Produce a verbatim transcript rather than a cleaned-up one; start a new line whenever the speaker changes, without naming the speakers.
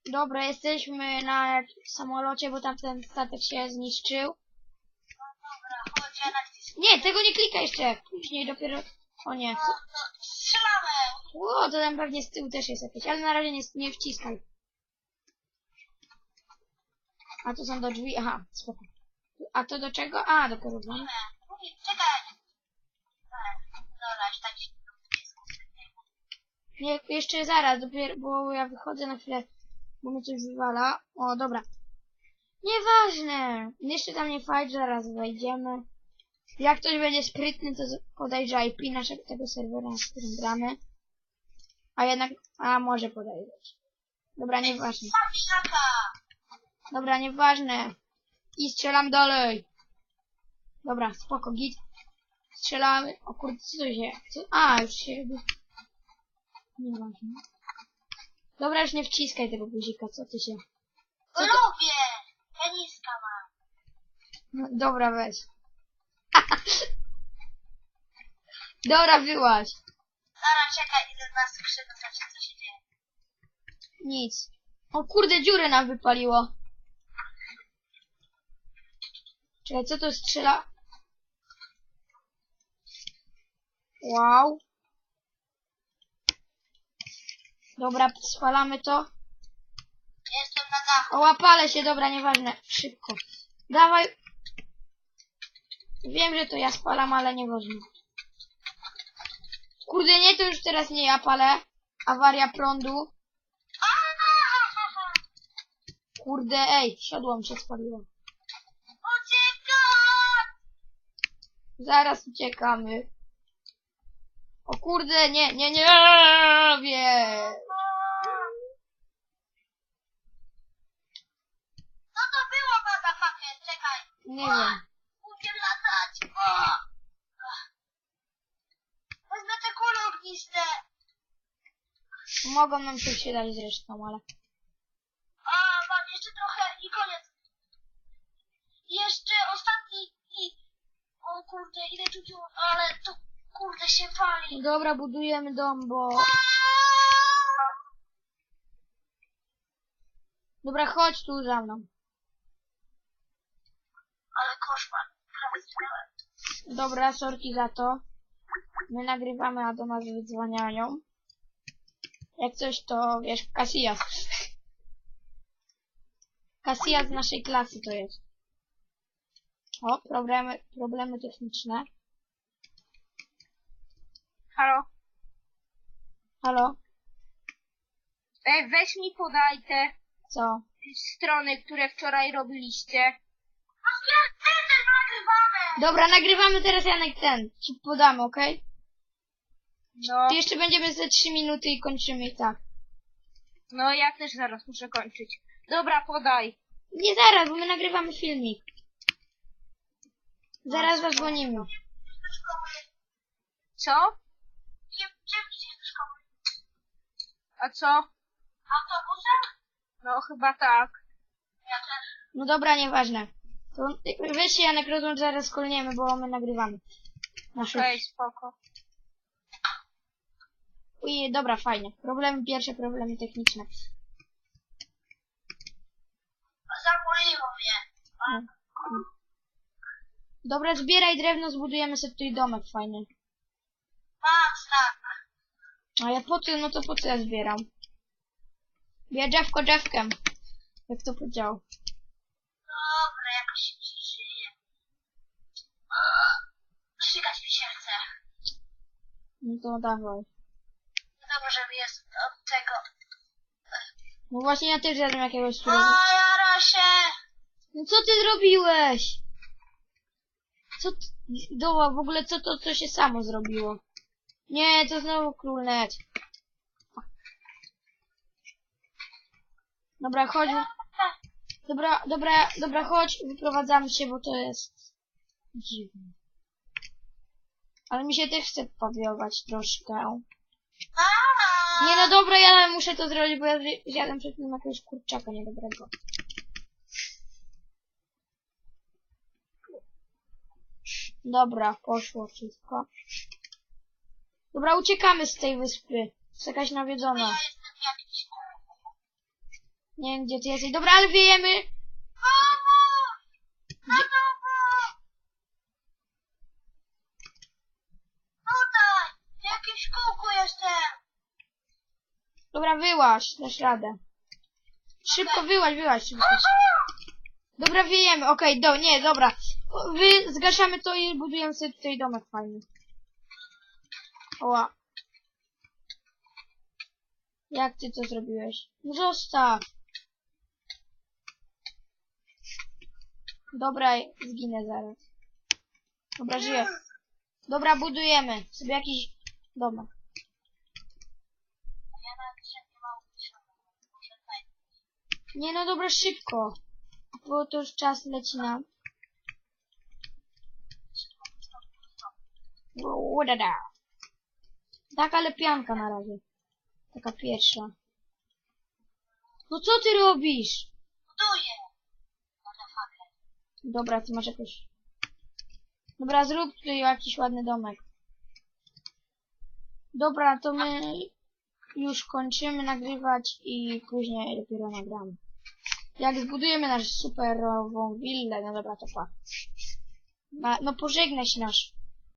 Dobra, jesteśmy na samolocie, bo tamten statek się zniszczył.
Dobra, chodź, ja nacisnę.
Nie, tego nie klikaj jeszcze. Później dopiero... O nie.
No to strzelamy!
O, to tam pewnie z tyłu też jest jakieś, ale na razie nie, nie wciskaj. A to są do drzwi, aha, spoko. A to do czego? A, do porównań.
Mówię, czekaj! Dobra, już tak się
Nie, jeszcze zaraz, dopiero, bo ja wychodzę na chwilę, bo mnie coś wywala. O, dobra. Nieważne. Jeszcze tam nie fajnie, zaraz wejdziemy. Jak ktoś będzie sprytny, to podejrze I P naszego tego serwera, na którym gramy. A jednak, a może podejrzeć. Dobra, nieważne.
Szaka!
Dobra, nieważne. I strzelam dalej. Dobra, spoko, git. Strzelamy. O kurde, co to się... Co? A, już się... Nieważne. Dobra, już nie wciskaj tego guzika, co ty się...
Co
Co to...
lubię! Peniska mam.
No, dobra, weź. Dobra, wyłaź.
Dobra, czekaj, idę na skrzydło, zobaczyć co się dzieje.
Nic. O kurde, dziurę nam wypaliło. Czekaj, co to strzela? Wow. Dobra, spalamy to.
Jestem na dachu.
O, łapale się, dobra, nieważne. Szybko. Dawaj. Wiem, że to ja spalam, ale nieważne. Kurde, nie, to już teraz nie ja palę. Awaria prądu. Kurde, ej, siodło mi się spaliło.
Uciekam!
Zaraz uciekamy. O kurde, nie, nie, nie, wie.
Co to było, motherfucker? Czekaj.
Nie wiem.
Umiem latać. O! Wezmę te kule ogniste.
Mogą nam się przydać zresztą, ale...
A, mam jeszcze trochę i koniec. Jeszcze ostatni i... O kurde, ile tu tu, ale tu kurde się pali.
Dobra, budujemy dom, bo... Dobra, chodź tu za mną.
Ale koszmar. Prawie zginąłem.
Dobra, sorki za to. My nagrywamy, a do nas wydzwaniają. Jak coś, to wiesz, Casillas. Casillas z naszej klasy to jest. O, problemy, problemy techniczne.
Halo?
Halo?
Ej, weź mi podaj te
Co?
strony, które wczoraj robiliście. nagrywamy!
Dobra, nagrywamy teraz, Janek, ten. Ci podamy, okej?
No,
To jeszcze będziemy ze trzy minuty i kończymy i tak.
no ja też zaraz muszę kończyć. Dobra, podaj.
Nie zaraz, bo my nagrywamy filmik. Zaraz zadzwonimy.
Co? Czym idziesz do szkoły? A co? Autobusem? No chyba tak. Ja też.
No dobra, nieważne. To weź się, Janek, rozłącz, zaraz kolniemy, bo my nagrywamy. Nasze...
Okej, spoko.
Uj, dobra, fajnie. Problemy pierwsze, problemy techniczne.
Zamuriło mnie.
Dobra, zbieraj drewno, zbudujemy sobie tutaj domek fajny.
Patrz tak.
A ja po co, no to po co ja zbieram? Ja drzewko drzewkiem. Jak to podział.
Dobra, jakoś się przeżyje. Szykać mi się chce.
No to dawaj.
Dobra, żeby jest od tego.
No właśnie ja też jadłem jakiegoś
O,
surowego.
jara się.
No co ty zrobiłeś? Co ty... Doła, w ogóle co to, co się samo zrobiło? Nie, to znowu królnet. Dobra, chodź. Dobra, dobra, dobra, chodź, wyprowadzamy się, bo to jest dziwne. Ale mi się też chce powiować troszkę. Nie, no dobra, ja muszę to zrobić, bo ja zjadłem przed tym jakiegoś kurczaka niedobrego. Dobra, poszło wszystko. Dobra, uciekamy z tej wyspy. Jest jakaś nawiedzona.
Ja jestem jakiś.
Nie wiem, gdzie ty jesteś. Dobra, ale wiejemy.
Na dół! Tutaj! W jakimś kółku jestem!
Dobra, wyłaź, dasz radę. Szybko wyłaź, wyłaź. Szybko. Dobra, wiejemy. Okej, do, nie, dobra. O, Wy zgaszamy to i budujemy sobie tutaj domek fajny. Oła. Jak ty to zrobiłeś? No zostaw. Dobra, zginę zaraz. Dobra, żyję. Dobra, budujemy sobie jakiś domek. Nie no dobra, szybko. Bo to już czas leci nam. Udada. Taka lepianka na razie. Taka pierwsza. No co ty robisz?
Buduję!
Dobra, ty masz jakoś... Dobra, zrób tutaj jakiś ładny domek. Dobra, to my już kończymy nagrywać i później dopiero nagramy. Jak zbudujemy nasz superową willę, no dobra, to pa. Na, no pożegnaj się nasz